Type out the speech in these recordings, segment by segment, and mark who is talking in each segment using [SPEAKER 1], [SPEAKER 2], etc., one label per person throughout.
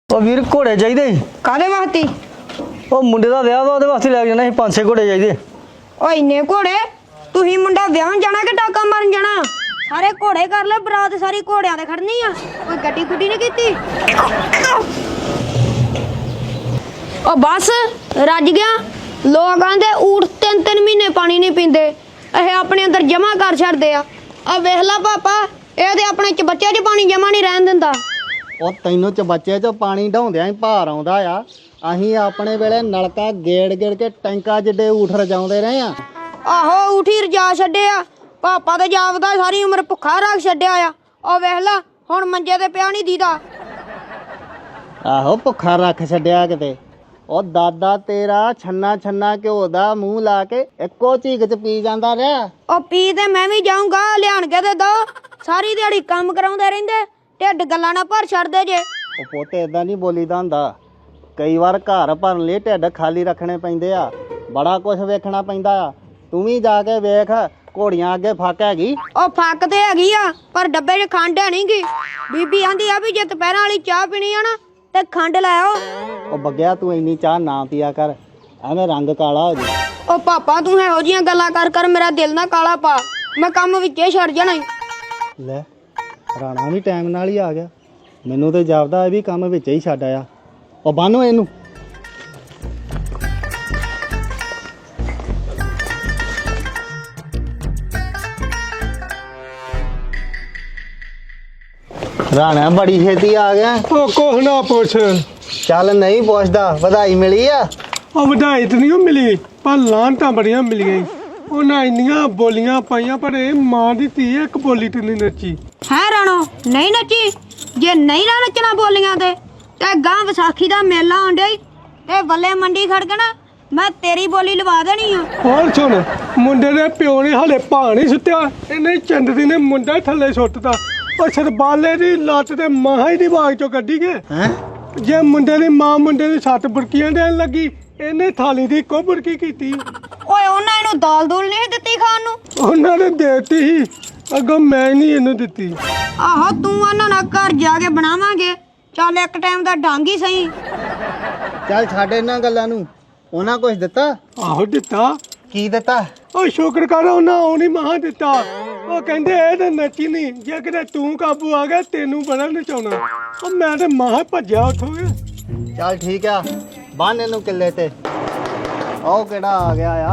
[SPEAKER 1] ਉਹ ਵੀਰ ਘੋੜੇ ਚਾਹੀਦੇ
[SPEAKER 2] ਕਾਹਦੇ ਵਾਸਤੇ?
[SPEAKER 1] ਉਹ ਮੁੰਡੇ ਦਾ ਵਿਆਹ ਵਾ ਉਹਦੇ ਵਾਸਤੇ ਲੈ ਕੇ ਜਾਣਾ ਸੀ 5-6 ਘੋੜੇ ਚਾਹੀਦੇ।
[SPEAKER 2] ਓ ਇੰਨੇ ਘੋੜੇ? ਤੁਸੀਂ ਮੁੰਡਾ ਵਿਆਹਣ ਜਾਣਾ ਕਿ ਟਾਕਾ ਮਾਰਨ ਜਾਣਾ? ਸਾਰੇ ਘੋੜੇ ਕਰ ਲੈ, ਬਰਾਤ ਸਾਰੀ ਘੋੜਿਆਂ ਤੇ ਖੜਨੀ ਆ। ਕੋਈ ਗੱਡੀ ਗੁੱਡੀ ਨਹੀਂ ਕੀਤੀ? ਓ ਬਸ ਰੱਜ ਗਿਆ। ਲੋਕਾਂ ਦੇ ਊਠ 3-3 ਮਹੀਨੇ ਪਾਣੀ ਨਹੀਂ ਪੀਂਦੇ, ਇਹ ਆਪਣੇ ਅੰਦਰ ਜਮਾ ਕਰ ਛੱਡਦੇ ਆ। ਆ ਵੇਖ ਲਾ ਪਾਪਾ, ਇਹ ਤੇ ਆਪਣੇ ਚਬੱਚੇ 'ਚ ਪਾਣੀ ਜਮਾ ਨਹੀਂ ਰਹਿਣ ਦਿੰਦਾ।
[SPEAKER 3] ਉਹ ਤੈਨੂੰ ਚਬੱਚੇ 'ਚ ਪਾਣੀ ਢਾਉਂਦਿਆਂ ਹੀ ਭਾਰ ਆਉਂਦਾ ਆ। ਅਸੀਂ ਆਪਣੇ ਵੇਲੇ ਨਲਕਾ ਗੇੜ ਕੇ ਟੈਂਕਾਂ ਜਿੱਡੇ ਊਠ ਰਜਾਉਂਦੇ ਰਹੇ ਆ।
[SPEAKER 2] ਆਹੋ ਊਠੀ ਰਜਾ ਛੱਡਿਆ। ਪਾਪਾ ਤੇ ਜਾਪਦਾ ਸਾਰੀ ਉਮਰ ਭੁੱਖਾ ਰੱਖ ਛੱਡਿਆ ਆ। ਉਹ ਵੇਖ ਲਾ ਹੁਣ ਮੰਜੇ ਤੇ ਪਿਆ ਨਹੀਂ ਦੀਦਾ।
[SPEAKER 3] ਆਹੋ ਭੁੱਖਾ ਰੱਖ ਛੱਡਿਆ ਕਿਤੇ। ਉਹ ਦਾਦਾ ਤੇਰਾ ਛੰਨਾ ਘਿਓ ਦਾ ਮੂੰਹ ਲਾ ਕੇ ਇੱਕੋ ਝੀਕ 'ਚ ਪੀ ਜਾਂਦਾ ਰਿਹਾ।
[SPEAKER 2] ਉਹ ਪੀ ਤੇ ਮੈਂ ਵੀ ਜਾਊਂਗਾ, ਲਿਆਣ ਕੇ ਤੇ ਦੋ। ਸਾਰੀ ਦਿਹਾੜੀ ਕੰਮ ਕਰਾਉਂਦੇ ਰਹਿੰਦੇ, ਢਿੱਡ ਗੱਲਾਂ ਨਾਲ ਭਰ ਛੱਡਦੇ ਜੇ।
[SPEAKER 3] ਉਹ ਪੋਤੇ ਇਦਾਂ ਨਹੀਂ ਬੋਲੀਦਾ ਹੁੰਦਾ। ਕਈ ਵਾਰ ਘਰ ਭਰਨ ਲਈ ਢਿੱਡ ਖਾਲੀ ਰੱਖਣੇ ਪੈਂਦੇ ਆ, ਬੜਾ ਕੁਝ ਵੇਖਣਾ ਪੈਂਦਾ ਆ। ਤੂੰ ਵੀ ਜਾ ਕੇ ਵੇਖ, ਘੋੜੀਆਂ ਅੱਗੇ ਫੱਕ ਹੈਗੀ।
[SPEAKER 2] ਉਹ ਫੱਕ ਤੇ ਹੈਗੀ ਆ, ਪਰ ਡੱਬੇ 'ਚ ਖੰਡ ਹੈ ਨੀ ਗੀ। ਬੀਬੀ ਆਂਦੀ ਆ ਵੀ ਜੇ ਦੁਪਹਿਰਾਂ ਵਾਲੀ ਚਾਹ ਪੀਣੀ ਆ ਨਾ ਤੇ ਖੰਡ ਲੈ ਆਓ।
[SPEAKER 3] ਉਹ ਬੱਗਿਆ ਤੂੰ ਇੰਨੀ ਚਾਹ ਨਾ ਪੀਆ ਕਰ, ਐਵੇਂ ਰੰਗ ਕਾਲਾ ਹੋ ਜਾਏ।
[SPEAKER 2] ਉਹ ਪਾਪਾ ਤੂੰ ਇਹੋ ਜੀਆਂ ਗੱਲਾਂ ਕਰ ਮੇਰਾ ਦਿਲ ਨਾ ਕਾਲਾ ਪਾ, ਮੈਂ ਕੰਮ ਵਿੱਚੇ ਛੱਡ ਜਾਣਾ ਈ।
[SPEAKER 3] ਲੈ ਰਾਣਾ ਵੀ ਟਾਈਮ ਨਾਲ ਹੀ ਆ ਗਿਆ। ਮੈਨੂੰ ਤੇ ਜਾਪਦਾ ਇਹ ਵੀ ਕੰਮ ਵਿੱਚ ਹੀ ਛੱਡ ਆਇਆ। ਉਹ ਬੰਨ੍ਹੋ ਇਹਨੂੰ। ਰਾਣਾ ਬੜੀ ਛੇਤੀ ਆ ਗਿਆ।
[SPEAKER 4] ਉਹ ਕੁਛ ਨਾ ਪੁੱਛ।
[SPEAKER 3] ਚੱਲ ਨਹੀਂ ਪੁੱਛਦਾ, ਵਧਾਈ ਮਿਲੀ ਆ?
[SPEAKER 4] ਉਹ ਵਧਾਈ ਤਾਂ ਨਹੀਂ ਮਿਲੀ, ਪਰ ਲਾਹਨਤਾਂ ਬੜੀਆਂ ਮਿਲੀਆਂ ਈ। ਉਹਨਾਂ ਇੰਨੀਆਂ ਬੋਲੀਆਂ ਪਾਈਆਂ, ਪਰ ਇਹ ਮਾਂ ਦੀ ਧੀ ਇੱਕ ਬੋਲੀ ਤੇ ਨਹੀਂ ਨੱਚੀ।
[SPEAKER 2] ਹੈ ਰਾਣੋ ਨਹੀਂ ਨੱਚੀ? ਜੇ ਨਹੀਂ ਨਾ ਨੱਚਣਾ ਬੋਲੀਆਂ ਤੇ ਗਾਂ ਵਿਸਾਖੀ ਦਾ ਮੇਲਾ ਆਉਂਦਾ ਈ ਤੇ ਬੱਲੇ ਮੰਡੀ ਖੜਕਣਾ, ਮੈਂ ਤੇਰੀ ਬੋਲੀ ਲਵਾ ਦੇਣੀ ਆ।
[SPEAKER 4] ਹੋਰ ਸੁਣ, ਮੁੰਡੇ ਦੇ ਪਿਓ ਨੇ ਹਲੇ ਭਾਂ ਨਹੀਂ ਸੁੱਤਿਆ, ਇਹਨੇ ਚੰਦਰੀ ਨੇ ਮੁੰਡਾ ਥੱਲੇ ਸੁੱਟਤਾ। ਉਹ ਸਰਬਾਲੇ ਦੀ ਲੱਤ ਤੇ ਮਾਂ ਹੀ ਦੀ ਬਾਗ ਚੋਂ ਕੱਢੀ ਗਏ।
[SPEAKER 3] ਹੈਂ?
[SPEAKER 4] ਜੇ ਮੁੰਡੇ ਦੀ ਮਾਂ ਮੁੰਡੇ ਦੀ 7 ਬੁਰਕੀਆਂ ਦੇਣ ਲੱਗੀ, ਇਹਨੇ ਥਾਲੀ ਦੀ ਇੱਕੋ ਬੁਰਕੀ ਕੀਤੀ।
[SPEAKER 2] ਓਏ ਉਹਨਾਂ ਇਹਨੂੰ ਦਾਲ ਦੂਲ ਨਹੀਂ ਦਿੱਤੀ ਖਾਣ ਨੂੰ?
[SPEAKER 4] ਉਹਨਾਂ ਨੇ ਦੇਤੀ ਸੀ, ਅੱਗੋਂ ਮੈਂ ਨਹੀਂ ਇਹਨੂੰ ਦਿੱਤੀ।
[SPEAKER 2] ਆਹੋ ਤੂੰ ਉਹਨਾਂ ਨਾਲ ਘਰ ਜਾ ਕੇ ਬਣਾਵਾਂਗੇ। ਚੱਲ ਇੱਕ ਟਾਈਮ ਦਾ ਡੰਗ ਹੀ ਸਹੀ।
[SPEAKER 3] ਚੱਲ ਛੱਡ ਇਹਨਾਂ ਗੱਲਾਂ ਨੂੰ। ਉਹਨਾਂ ਕੁਝ ਦਿੱਤਾ?
[SPEAKER 4] ਆਹੋ ਦਿੱਤਾ।
[SPEAKER 3] ਕੀ ਦਿੱਤਾ?
[SPEAKER 4] ਉਹ ਸ਼ੁਕਰ ਕਰ ਉਹਨਾਂ ਉਹ ਨਹੀਂ ਮਹਾ ਦਿੱਤਾ। ਉਹ ਕਹਿੰਦੇ ਇਹ ਤਾਂ ਨੱਚੀ ਨਹੀਂ, ਜੇ ਕਿਤੇ ਤੂੰ ਕਾਬੂ ਆ ਗਿਆ ਤੈਨੂੰ ਬੜਾ ਨਚਾਉਣਾ। ਉਹ ਮੈਂ ਤੇ ਮਹਾ ਭੱਜਿਆ ਉੱਥੋਂ।
[SPEAKER 3] ਚੱਲ ਠੀਕ ਆ, ਬੰਨ ਇਹਨੂੰ ਕਿੱਲੇ ਤੇ। ਉਹ ਕਿਹੜਾ ਆ ਗਿਆ ਆ?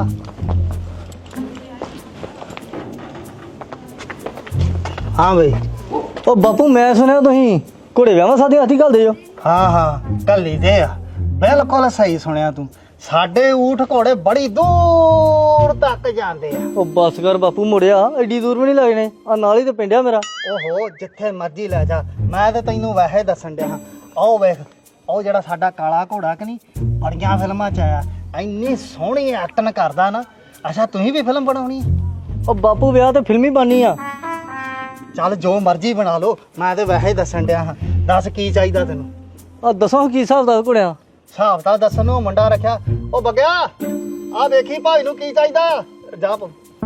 [SPEAKER 3] ਹਾਂ ਬਈ।
[SPEAKER 1] ਉਹ ਬਾਪੂ ਮੈਂ ਸੁਣਿਆ ਤੁਸੀਂ ਘੋੜੇ ਵਿਆਹਾਂ ਸਾਦੇ ਹੱਥੀ ਘੱਲਦੇ ਜੋ।
[SPEAKER 3] ਹਾਂ ਕੱਲੀ ਦੇ ਆ। ਬਿਲਕੁਲ ਸਹੀ ਸੁਣਿਆ ਤੂੰ। ਸਾਡੇ ਊਠ ਘੋੜੇ ਬੜੀ ਦੂਰ ਤੱਕ ਜਾਂਦੇ ਆ।
[SPEAKER 1] ਉਹ ਬਸ ਕਰ ਬਾਪੂ, ਮੁੜਿਆ ਐਡੀ ਦੂਰ ਵੀ ਨਹੀਂ ਲੱਗਣੇ, ਆ ਨਾਲ ਹੀ ਤੇ ਪਿੰਡਿਆ ਮੇਰਾ।
[SPEAKER 3] ਓਹੋ ਜਿੱਥੇ ਮਰਜ਼ੀ ਲੈ ਜਾ, ਮੈਂ ਤੇ ਤੈਨੂੰ ਵੈਸੇ ਦੱਸਣ ਡਿਆ ਹਾਂ। ਆਓ ਵੇਖ, ਉਹ ਜਿਹੜਾ ਸਾਡਾ ਕਾਲਾ ਘੋੜਾ ਕਿ ਨਹੀਂ, ਬੜੀਆਂ ਫਿਲਮਾਂ 'ਚ ਆਇਆ, ਇੰਨੀ ਸੋਹਣੀ ਐਕਟਿੰਗ ਕਰਦਾ ਨਾ। ਅੱਛਾ ਤੁਸੀਂ ਵੀ ਫਿਲਮ ਬਣਾਉਣੀ?
[SPEAKER 1] ਉਹ ਬਾਪੂ ਵਿਆਹ ਤੇ ਫਿਲਮੀ ਬਣਨੀ ਆ।
[SPEAKER 3] ਚੱਲ ਜੋ ਮਰਜ਼ੀ ਬਣਾ ਲਓ, ਮੈਂ ਤੇ ਵੈਸੇ ਹੀ ਦੱਸਣ ਡਿਆ ਹਾਂ। ਦੱਸ ਕੀ ਚਾਹੀਦਾ ਤੈਨੂੰ?
[SPEAKER 1] ਆ ਦੱਸੋ ਕੀ ਹਿਸਾਬ ਦਾ ਘੋੜਿਆਂ?
[SPEAKER 3] ਹਿਸਾਬ ਤਾਂ ਦੱਸਣ ਨੂੰ ਮੁੰਡਾ ਰੱਖਿਆ। ਉਹ ਬੱਗਿਆ ਆ ਵੇਖੀ ਭਾਈ ਨੂੰ ਕੀ ਚਾਹੀਦਾ। ਜਾ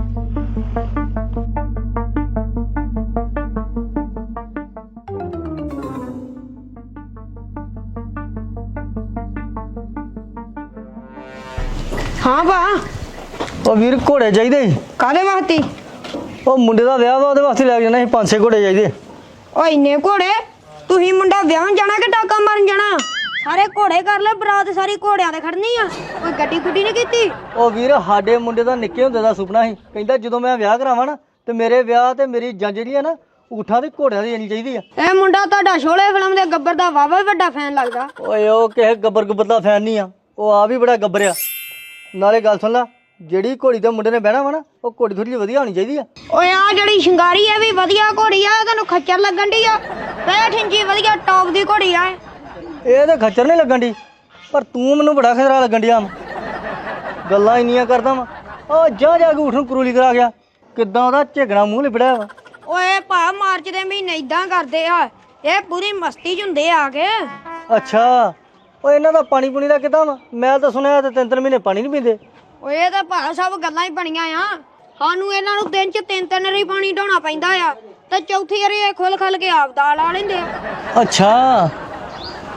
[SPEAKER 2] ਹਾਂ ਭਾ।
[SPEAKER 1] ਉਹ ਵੀਰ ਘੋੜੇ ਚਾਹੀਦੇ।
[SPEAKER 2] ਕਾਹਦੇ ਵਾਸਤੇ?
[SPEAKER 1] ਉਹ ਮੁੰਡੇ ਦਾ ਵਿਆਹ ਵਾ ਉਹਦੇ ਵਾਸਤੇ ਲੈ ਕੇ ਜਾਣਾ ਸੀ 5-6 ਘੋੜੇ ਚਾਹੀਦੇ।
[SPEAKER 2] ਓ ਇੰਨੇ ਘੋੜੇ? ਤੁਸੀਂ ਮੁੰਡਾ ਵਿਆਹਣ ਜਾਣਾ ਕਿ ਟਾਕਾ ਮਾਰਨ ਜਾਣਾ? ਸਾਰੇ ਘੋੜੇ ਕਰ ਲੈ, ਬਰਾਤ ਸਾਰੀ ਘੋੜਿਆਂ ਤੇ ਖੜਨੀ ਆ। ਕੋਈ ਗੱਡੀ ਗੁੱਡੀ ਨਹੀਂ ਕੀਤੀ?
[SPEAKER 1] ਉਹ ਵੀਰ ਸਾਡੇ ਮੁੰਡੇ ਦਾ ਨਿੱਕੇ ਹੁੰਦੇ ਦਾ ਸੁਪਨਾ ਸੀ, ਕਹਿੰਦਾ ਜਦੋਂ ਮੈਂ ਵਿਆਹ ਕਰਾਵਾਂ ਨਾ ਤੇ ਮੇਰੇ ਵਿਆਹ ਤੇ ਮੇਰੀ ਜੰਜ ਜਿਹੜੀ ਆ ਨਾ ਊਠਾਂ ਤੇ ਘੋੜਿਆਂ ਦੀ ਜਾਣੀ ਚਾਹੀਦੀ ਆ।
[SPEAKER 2] ਇਹ ਮੁੰਡਾ ਤੁਹਾਡਾ ਸ਼ੋਲੇ ਫਿਲਮ ਦੇ ਗੱਬਰ ਦਾ ਵਾਵਾ ਵੱਡਾ ਫੈਨ ਲੱਗਦਾ।
[SPEAKER 1] ਓਏ ਉਹ ਕਿਸੇ ਗੱਬਰ ਦਾ ਫੈਨ ਨਹੀਂ ਆ, ਉਹ ਆ ਵੀ ਬੜਾ ਗੱਬਰ ਆ। ਨਾਲੇ ਗੱਲ ਸੁਣ ਲਾ, ਜਿਹੜੀ ਘੋੜੀ ਤੇ ਮੁੰਡੇ ਨੇ ਬਹਿਣਾ ਵਾ ਨਾ, ਉਹ ਘੋੜੀ ਥੋੜੀ ਜਿਹੀ ਵਧੀਆ ਹੋਣੀ ਚਾਹੀਦੀ ਆ।
[SPEAKER 2] ਓਏ ਆ ਜਿਹੜੀ ਸ਼ਿੰਗਾਰੀ ਆ ਵੀ ਵਧੀਆ ਘੋੜੀ ਆ, ਤੈਨੂੰ ਖੱਚਰ ਲੱਗਣ ਦੀ ਆ। 65 ਇੰਚੀ ਵਧੀਆ ਟੌਪ ਦੀ ਘੋੜੀ ਆ।
[SPEAKER 1] ਇਹ ਤਾਂ ਖੱਚਰ ਨਹੀਂ ਲੱਗਣ ਦੀ, ਪਰ ਤੂੰ ਮੈਨੂੰ ਬੜਾ ਖਤਰਾ ਲੱਗਣ ਡਿਆ। ਗੱਲਾਂ ਇੰਨੀਆਂ ਕਰਦਾ ਵਾ, ਉਹ ਜਾ ਕੇ ਊਠ ਨੂੰ ਕਰੂਲੀ ਕਰਾ ਗਿਆ। ਕਿੱਦਾਂ ਉਹਦਾ ਝਿਗਣਾ ਮੂੰਹ ਲਿਬੜਿਆ ਵਾ।
[SPEAKER 2] ਓਏ ਭਾ ਮਾਰਚ ਦੇ ਮਹੀਨੇ ਇਦਾਂ ਕਰਦੇ ਆ, ਇਹ ਪੂਰੀ ਮਸਤੀ ਚ ਹੁੰਦੇ ਆ ਕੇ।
[SPEAKER 1] ਅੱਛਾ, ਉਹ ਇਹਨਾਂ ਦਾ ਪਾਣੀ ਪੂਣੀ ਦਾ ਕਿੱਦਾਂ ਵਾ? ਮੈਂ ਤਾਂ ਸੁਣਿਆ ਤੇ 3-3 ਮਹੀਨੇ ਪਾਣੀ ਨਹੀਂ ਪੀਂਦੇ।
[SPEAKER 2] ਓਏ ਇਹ ਤਾਂ ਭਾ ਸਭ ਗੱਲਾਂ ਹੀ ਬਣੀਆਂ ਆ। ਸਾਨੂੰ ਇਹਨਾਂ ਨੂੰ ਦਿਨ ਚ 3-3 ਵਾਰੀ ਪਾਣੀ ਢੋਣਾ ਪੈਂਦਾ ਆ, ਤੇ ਚੌਥੀ ਵਾਰੀ ਇਹ ਖੁੱਲ ਖਲ ਕੇ ਆਪ ਦਾਲ ਆ ਲੈਂਦੇ ਆ।
[SPEAKER 1] ਅੱਛਾ,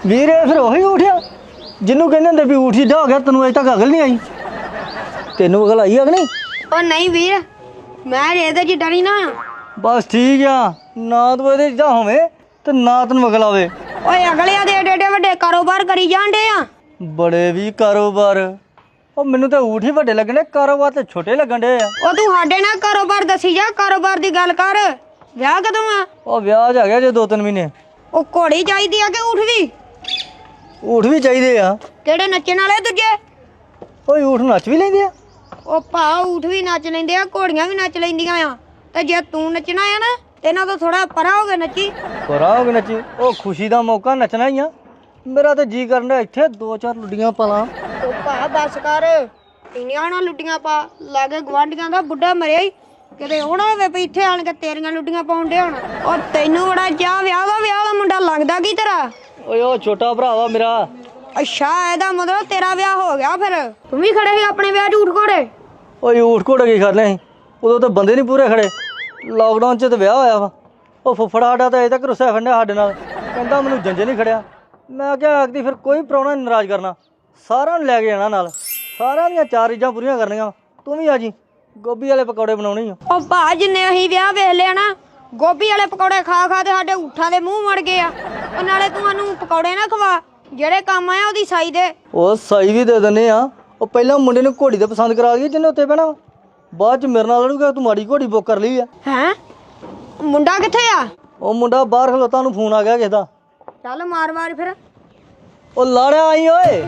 [SPEAKER 1] ਵੀਰ ਇਹ ਫਿਰ ਉਹੀ ਉਠਿਆ ਜਿਹਨੂੰ ਕਹਿੰਦੇ ਹੁੰਦੇ ਵੀ ਊਠ ਸਿੱਧਾ ਹੋ ਗਿਆ, ਤੈਨੂੰ ਅਜੇ ਤੱਕ ਅਕਲ ਨਹੀਂ ਆਈ? ਤੈਨੂੰ ਅਕਲ ਆਈ ਆ ਕਿ ਨਹੀਂ?
[SPEAKER 2] ਉਹ ਨਹੀਂ ਵੀਰ, ਮੈਂ ਇਹਦੇ ਚ ਡਰੀ ਨਾ ਆ।
[SPEAKER 1] ਬਸ ਠੀਕ ਆ, ਨਾ ਤੂੰ ਇਹਦੇ ਜਿਹਾ ਹੋਵੇਂ ਤੇ ਨਾ ਤੈਨੂੰ ਅਕਲ ਆਵੇ।
[SPEAKER 2] ਓਏ ਅਗਲਿਆਂ ਦੇ ਏਡੇ ਏਡੇ ਵੱਡੇ ਕਾਰੋਬਾਰ ਕਰੀ ਜਾਂਦੇ ਆ।
[SPEAKER 1] ਬੜੇ ਵੀ ਕਾਰੋਬਾਰ, ਉਹ ਮੈਨੂੰ ਤਾਂ ਊਠ ਹੀ ਵੱਡੇ ਲੱਗਣੇ, ਕਾਰੋਬਾਰ ਤੇ ਛੋਟੇ ਲੱਗਣ ਡੇ ਆ।
[SPEAKER 2] ਉਹ ਤੂੰ ਸਾਡੇ ਨਾਲ ਕਾਰੋਬਾਰ ਦੱਸੀ ਜਾ, ਕਾਰੋਬਾਰ ਦੀ ਗੱਲ ਕਰ। ਵਿਆਹ ਕਦੋਂ ਆ?
[SPEAKER 1] ਉਹ ਵਿਆਹ ਜਾ ਗਿਆ ਜੇ 2-3 ਮਹੀਨੇ।
[SPEAKER 2] ਉਹ ਘੋੜੀ ਚਾਹੀਦੀ ਆ ਕਿ ਊਠ ਵੀ?
[SPEAKER 1] ਊਠ ਵੀ ਚਾਹੀਦੇ ਆ।
[SPEAKER 2] ਕਿਹੜੇ ਨੱਚਣ ਵਾਲੇ ਦੂਜੇ?
[SPEAKER 1] ਓਏ ਊਠ ਨੱਚ ਵੀ ਲੈਂਦੇ ਆ?
[SPEAKER 2] ਉਹ ਭਾ ਊਠ ਵੀ ਨੱਚ ਲੈਂਦੇ ਆ, ਘੋੜੀਆਂ ਵੀ ਨੱਚ ਲੈਂਦੀਆਂ ਆ। ਤੇ ਜੇ ਤੂੰ ਨੱਚਣਾ ਆ ਨਾ, ਤੇ ਇਹਨਾਂ ਤੋਂ ਥੋੜਾ ਪਰਾਂ ਹੋ ਕੇ ਨੱਚੀ।
[SPEAKER 1] ਪਰਾਂ ਹੋ ਕੇ ਨੱਚੀ? ਉਹ ਖੁਸ਼ੀ ਦਾ ਮੌਕਾ, ਨੱਚਣਾ ਹੀ ਆ। ਮੇਰਾ ਤਾਂ ਜੀ ਕਰਨ ਡਿਆ ਇੱਥੇ 2-4 ਲੁੱਡੀਆਂ ਪਾਲਾਂ।
[SPEAKER 2] ਉਹ ਭਾ ਬਸ ਕਰ, ਇੰਨੀਆਂ ਨਾ ਲੁੱਡੀਆਂ ਪਾ। ਲਾਗੇ ਗਵਾਂਢੀਆਂ ਦਾ ਬੁੱਢਾ ਮਰਿਆ ਹੀ, ਕਿਤੇ ਉਹ ਨਾ ਹੋਵੇ ਵੀ ਇੱਥੇ ਆਣ ਕੇ ਤੇਰੀਆਂ ਲੁੱਡੀਆਂ ਪਾਉਣ ਡਿਆ ਹੋਣਾ। ਉਹ ਤੈਨੂੰ ਬੜਾ ਚਾਹ ਵਿਆਹ ਦਾ ਮੁੰਡਾ ਲੱਗਦਾ ਕੀ ਤੇਰਾ?
[SPEAKER 1] ਓਏ ਉਹ ਛੋਟਾ ਭਰਾ ਵਾ ਮੇਰਾ।
[SPEAKER 2] ਅੱਛਾ, ਇਹਦਾ ਮਤਲਬ ਤੇਰਾ ਵਿਆਹ ਹੋ ਗਿਆ ਫਿਰ? ਤੂੰ ਵੀ ਖੜੇ ਸੀ ਆਪਣੇ ਵਿਆਹ 'ਚ ਊਠ ਘੋੜੇ?
[SPEAKER 1] ਓਏ ਊਠ ਘੋੜੇ ਕੀ ਕਰਨੇ ਸੀ, ਉਦੋਂ ਤਾਂ ਬੰਦੇ ਨਹੀਂ ਪੂਰੇ ਖੜੇ। ਲਾਕਡਾਊਨ 'ਚ ਤਾਂ ਵਿਆਹ ਹੋਇਆ ਵਾ। ਉਹ ਫੁੱਫੜਾ ਸਾਡਾ ਤਾਂ ਅਜੇ ਤੱਕ ਰੁੱਸਿਆ ਫੰਡਿਆ ਸਾਡੇ ਨਾਲ, ਕਹਿੰਦਾ ਮੈਨੂੰ ਜੰਜੇ ਨਹੀਂ ਖੜਿਆ। ਮੈਂ ਕਿਹਾ ਆਖਦੀ ਫਿਰ ਕੋਈ ਪ੍ਰਾਹੁਣਾ ਨਹੀਂ ਨਾਰਾਜ਼ ਕਰਨਾ, ਸਾਰਿਆਂ ਨੂੰ ਲੈ ਕੇ ਜਾਣਾ ਨਾਲ, ਸਾਰਿਆਂ ਦੀਆਂ 4 ਚੀਜ਼ਾਂ ਪੂਰੀਆਂ ਕਰਨੀਆਂ। ਤੂੰ ਵੀ ਆ ਜੀ, ਗੋਭੀ ਵਾਲੇ ਪਕੌੜੇ ਬਣਾਉਣੇ ਆ।
[SPEAKER 2] ਉਹ ਭਾ ਜਿੰਨੇ ਅਸੀਂ ਵਿਆਹ ਵੇਖ ਲਿਆ ਨਾ, ਗੋਭੀ ਵਾਲੇ ਪਕੌੜੇ ਖਾ ਖਾ ਤੇ ਸਾਡੇ ਊਠਾਂ ਦੇ ਮੂੰਹ ਮੜ ਗਏ ਆ। ਉਹ ਨਾਲੇ ਤੂੰ ਸਾਨੂੰ ਪਕੌੜੇ ਨਾ ਖਵਾ, ਜਿਹੜੇ ਕੰਮ ਆਇਆ ਉਹਦੀ ਸਾਈ ਦੇ।
[SPEAKER 1] ਉਹ ਸਾਈ ਵੀ ਦੇ ਦਿੰਦੇ ਆ। ਉਹ ਪਹਿਲਾਂ ਮੁੰਡੇ ਨੂੰ ਘੋੜੀ ਤੇ ਪਸੰਦ ਕਰਾ ਦਈਏ ਜਿਹਨੇ ਉੱਤੇ ਬਹਿਣਾ, ਬਾਅਦ 'ਚ ਮੇਰੇ ਨਾਲ ਲੜੂਗਾ ਤੂੰ ਮਾੜੀ ਘੋੜੀ ਬੁੱਕ ਕਰ ਲਈ ਆ।
[SPEAKER 2] ਹੈਂ? ਮੁੰਡਾ ਕਿੱਥੇ ਆ?
[SPEAKER 1] ਉਹ ਮੁੰਡਾ ਬਾਹਰ ਖਲੋਤਾ, ਨੂੰ ਫੋਨ ਆ ਗਿਆ ਕਿਸੇ ਦਾ।
[SPEAKER 2] ਚੱਲ ਮਾਰ ਫਿਰ।
[SPEAKER 1] ਉਹ ਲਾੜਿਆ ਆਈ ਓਏ।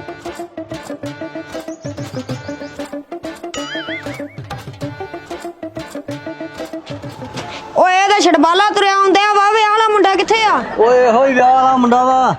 [SPEAKER 2] ਓਏ ਇਹਦਾ ਛੜਬਾਲਾ ਤੁਰਿਆ ਆਉਂਦੇ ਆ। ਵਾਹ ਵਿਆਹ ਵਾਲਾ ਮੁੰਡਾ ਕਿੱਥੇ ਆ?
[SPEAKER 1] ਓਏ ਇਹੋ ਹੀ ਵਿਆਹ ਵਾਲਾ ਮੁੰਡਾ ਵਾ।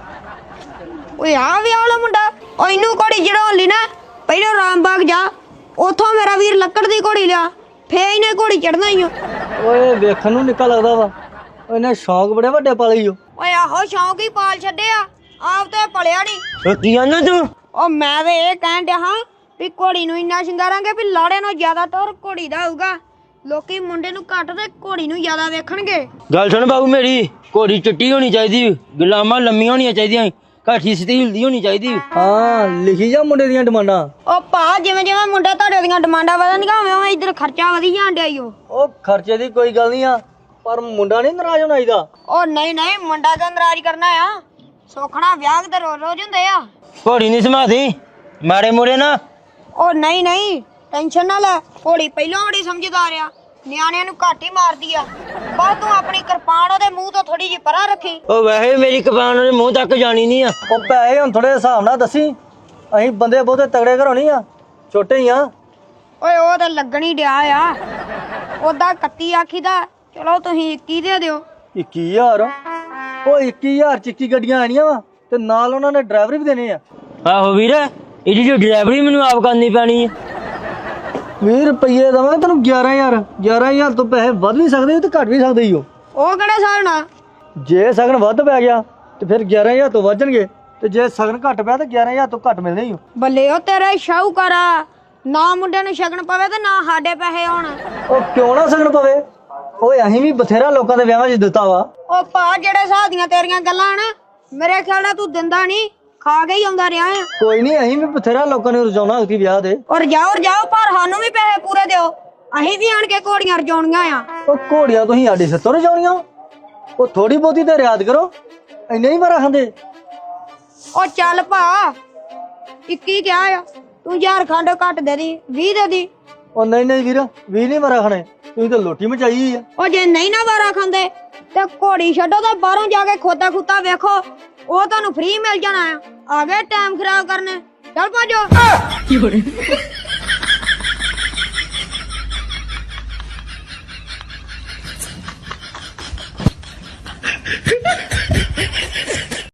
[SPEAKER 2] ਓਏ ਆ ਵਿਆਹ ਵਾਲਾ ਮੁੰਡਾ? ਓ ਇਹਨੂੰ ਘੋੜੀ ਚੜਾਉਣ ਲਈ ਨਾ ਪਹਿਲਾਂ ਰਾਮਬਾਗ ਜਾ, ਉਥੋਂ ਮੇਰਾ ਵੀਰ ਲੱਕੜ ਦੀ ਘੋੜੀ ਲਿਆ, ਫੇਰ ਇਹਨੇ ਘੋੜੀ ਚੜਨਾ ਹੀ ਓ।
[SPEAKER 1] ਓਏ ਵੇਖਣ ਨੂੰ ਨਿੱਕਾ ਲੱਗਦਾ ਵਾ, ਇਹਨੇ ਸ਼ੌਂਕ ਬੜੇ ਵੱਡੇ ਪਾਲੇ ਓ।
[SPEAKER 2] ਓਏ ਆਹੋ ਸ਼ੌਂਕ ਹੀ ਪਾਲ ਛੱਡਿਆ, ਆਪ ਤੇ ਪਲਿਆ ਨਹੀਂ।
[SPEAKER 1] ਕੀ ਆਂਦਾ ਤੂੰ?
[SPEAKER 2] ਓ ਮੈਂ ਤੇ ਇਹ ਕਹਿਣ ਡਿਆ ਹਾਂ ਵੀ ਘੋੜੀ ਨੂੰ ਇੰਨਾ ਸ਼ਿੰਗਾਰਾਂਗੇ ਵੀ ਲਾੜੇ ਨੂੰ ਜ਼ਿਆਦਾ ਤੌਰ ਘੋੜੀ ਦਾ ਹੋਊਗਾ। ਲੋਕੀ ਮੁੰਡੇ ਨੂੰ ਘੱਟ ਤੇ ਘੋੜੀ ਨੂੰ ਜ਼ਿਆਦਾ ਵੇਖਣਗੇ।
[SPEAKER 5] ਗੱਲ ਸੁਣ ਬਾਬੂ ਮੇਰੀ, ਘੋੜੀ ਚਿੱਟੀ ਹੋਣੀ ਚਾਹੀਦੀ, ਗੁਲਾਮਾਂ ਲੰਮੀਆਂ ਹੋਣੀਆਂ ਚਾਹੀਦੀਆਂ, ਕਾਠੀ ਸਿੱਧੀ ਹਿਲਦੀ ਹੋਣੀ ਚਾਹੀਦੀ।
[SPEAKER 1] ਹਾਂ ਲਿਖੀ ਜਾ ਮੁੰਡੇ ਦੀਆਂ ਡਿਮਾਂਡਾਂ।
[SPEAKER 2] ਓ ਭਾ ਜਿਵੇਂ ਜਿਵੇਂ ਮੁੰਡਾ ਤੁਹਾਡੇ ਦੀਆਂ ਡਿਮਾਂਡਾਂ ਵਧਣਗੀਆਂ ਉਵੇਂ ਉਵੇਂ ਇੱਧਰ ਖਰਚਾ ਵਧੀ ਜਾਣ ਡਿਆ ਈ ਓ।
[SPEAKER 1] ਉਹ ਖਰਚੇ ਦੀ ਕੋਈ ਗੱਲ ਨਹੀਂ ਆ, ਪਰ ਮੁੰਡਾ ਨਹੀਂ ਨਾਰਾਜ਼ ਹੋਣਾ ਚਾਹੀਦਾ।
[SPEAKER 2] ਓ ਨਹੀਂ ਮੁੰਡਾ ਤਾਂ ਨਾਰਾਜ਼ ਕਰਨਾ ਆ, ਸੋਖਣਾ ਵਿਆਹ ਤੇ ਰੋਜ਼ ਰੋਜ਼ ਹੁੰਦੇ ਆ।
[SPEAKER 5] ਘੋੜੀ ਨਹੀਂ ਸਮਾਦੀ ਮਾਰੇ ਮੋਰੇ ਨਾ।
[SPEAKER 2] ਓ ਨਹੀਂ ਟੈਨਸ਼ਨ ਨਾ ਲੈ, ਘੋੜੀ ਪਹਿਲਾਂ ਬੜੀ ਸਮਝਦਾਰ ਆ, ਨਿਆਣਿਆਂ ਨੂੰ ਘੱਟ ਹੀ ਮਾਰਦੀ ਆ। ਬਸ ਤੂੰ ਆਪਣੀ ਕਿਰਪਾਨ ਉਹਦੇ ਮੂੰਹ ਤੋਂ ਥੋੜੀ ਜਿਹੀ ਪਰਾਂ ਰੱਖੀ।
[SPEAKER 5] ਉਹ ਵੈਸੇ ਮੇਰੀ ਕਪਾਨ ਉਹਦੇ ਮੂੰਹ ਤੱਕ ਜਾਣੀ ਨਹੀਂ ਆ।
[SPEAKER 1] ਉਹ ਪੈਸੇ ਹੁਣ ਥੋੜੇ ਹਿਸਾਬ ਨਾਲ ਦੱਸੀ, ਅਸੀਂ ਬੰਦੇ ਬਹੁਤੇ ਤਗੜੇ ਘਰੋਂ ਨਹੀਂ ਆ, ਛੋਟੇ ਹੀ ਆ।
[SPEAKER 2] ਓਏ ਉਹ ਤਾਂ ਲੱਗਣੀ ਡਿਆ ਆ, ਉਹਦਾ 31 ਆਖੀਦਾ। ਚਲੋ ਤੁਸੀਂ 21 ਦੇ ਦਿਓ।
[SPEAKER 1] 21,000? ਉਹ 21,000 ਚ 21 ਗੱਡੀਆਂ ਆਣੀਆਂ ਵਾ, ਤੇ ਨਾਲ ਉਹਨਾਂ ਨੇ ਡਰਾਈਵਰ ਵੀ ਦੇਣੇ ਆ।
[SPEAKER 5] ਆਹੋ ਵੀਰ, ਇਹਦੀ ਜੋ ਡਰਾਈਵਰੀ ਮੈਨੂੰ ਆਪ ਕਰਨੀ ਪੈਣੀ ਆ।
[SPEAKER 1] 20 ਰੁਪਏ ਦਵਾਂਗੇ ਤੈਨੂੰ 11,000 ਤੋਂ ਪੈਸੇ ਵੱਧ ਵੀ ਸਕਦੇ ਤੇ ਘੱਟ ਵੀ ਸਕਦੇ ਹੀ ਹੋ।
[SPEAKER 2] ਉਹ ਕਿਹੜੇ ਹਿਸਾਬ ਨਾਲ?
[SPEAKER 1] ਜੇ ਸਗਨ ਵੱਧ ਪੈ ਗਿਆ ਤੇ ਫਿਰ 11,000 ਤੋਂ ਵੱਜਣਗੇ, ਤੇ ਜੇ ਸਗਨ ਘੱਟ ਪਿਆ ਤੇ 11,000 ਤੋਂ ਘੱਟ ਮਿਲਦੇ ਹੀ ਹੋ।
[SPEAKER 2] ਬੱਲੇ ਉਹ ਤੇਰੇ ਸ਼ਾਹੂਕਾਰਾ, ਨਾ ਮੁੰਡੇ ਨੂੰ ਸ਼ਗਨ ਪਵੇ ਤੇ ਨਾ ਸਾਡੇ ਪੈਸੇ ਆਉਣ।
[SPEAKER 1] ਉਹ ਕਿਉਂ ਨਾ ਸਗਨ ਪਵੇ? ਓਏ ਅਸੀਂ ਵੀ ਬਥੇਰਾ ਲੋਕਾਂ ਦੇ ਵਿਆਹਾਂ 'ਚ ਦਿੱਤਾ ਵਾ।
[SPEAKER 2] ਉਹ ਭਾ ਜਿਹੜੇ ਹਿਸਾਬ ਦੀਆਂ ਤੇਰੀਆਂ ਗੱਲਾਂ ਨਾ, ਮੇਰੇ ਖਿਆਲ ਨਾਲ ਤੂੰ ਦਿੰਦਾ ਨਹੀਂ, ਖਾ ਕੇ ਹੀ ਆਉਂਦਾ ਰਿਹਾ ਆ।
[SPEAKER 1] ਕੋਈ ਨਹੀਂ, ਅਸੀਂ ਵੀ ਬਥੇਰਾ ਲੋਕਾਂ ਨੂੰ ਰਜਾਉਣਾ ਉਸਦੀ ਵਿਆਹ ਤੇ।
[SPEAKER 2] ਔਰ ਜਾਓ ਪਰ ਸਾਨੂੰ ਵੀ ਪੈਸੇ ਪੂਰੇ ਦਿਓ, ਅਸੀਂ ਵੀ ਆਣ ਕੇ ਘੋੜੀਆਂ ਰਜਾਉਣੀਆਂ ਆ।
[SPEAKER 1] ਉਹ ਘੋੜੀਆਂ ਤੁਸੀਂ ਸਾਡੇ ਸਿੱਤੋਂ ਰਜਾਉਣੀਆਂ? ਉਹ ਥੋੜੀ ਬਹੁਤੀ ਤੇ ਰਿਆਦ ਕਰੋ, ਇੰਨੇ ਹੀ ਮਾਰਾ ਖਾਂਦੇ।
[SPEAKER 2] ਉਹ ਚੱਲ ਭਾ, 21 ਕਿਹਾ ਆ, ਤੂੰ ਝਾਰਖੰਡ ਘੱਟ ਦੇ ਦੀ, 20 ਦੇ ਦੀ।
[SPEAKER 1] ਉਹ ਨਹੀਂ ਵੀਰ, 20 ਨਹੀਂ ਮਾਰਾ ਖਾਣੇ, ਤੁਸੀਂ ਤਾਂ ਲੋਟੀ ਮਚਾਈ ਆ।
[SPEAKER 2] ਉਹ ਜੇ ਨਹੀਂ ਨਾ ਵਾਰਾ ਖਾਂਦੇ ਤੇ ਘੋੜੀ ਛੱਡੋ ਤੇ ਬਾਹਰੋਂ ਜਾ ਕੇ ਖੋਤਾ ਖੁੱਤਾ ਵੇਖੋ, ਉਹ ਤੁਹਾਨੂੰ ਫ੍ਰੀ ਮਿਲ ਜਾਣਾ ਆ। ਆ ਗਏ ਟਾਈਮ ਖਰਾਬ ਕਰਨੇ, ਚੱਲ ਭਾਜੋ।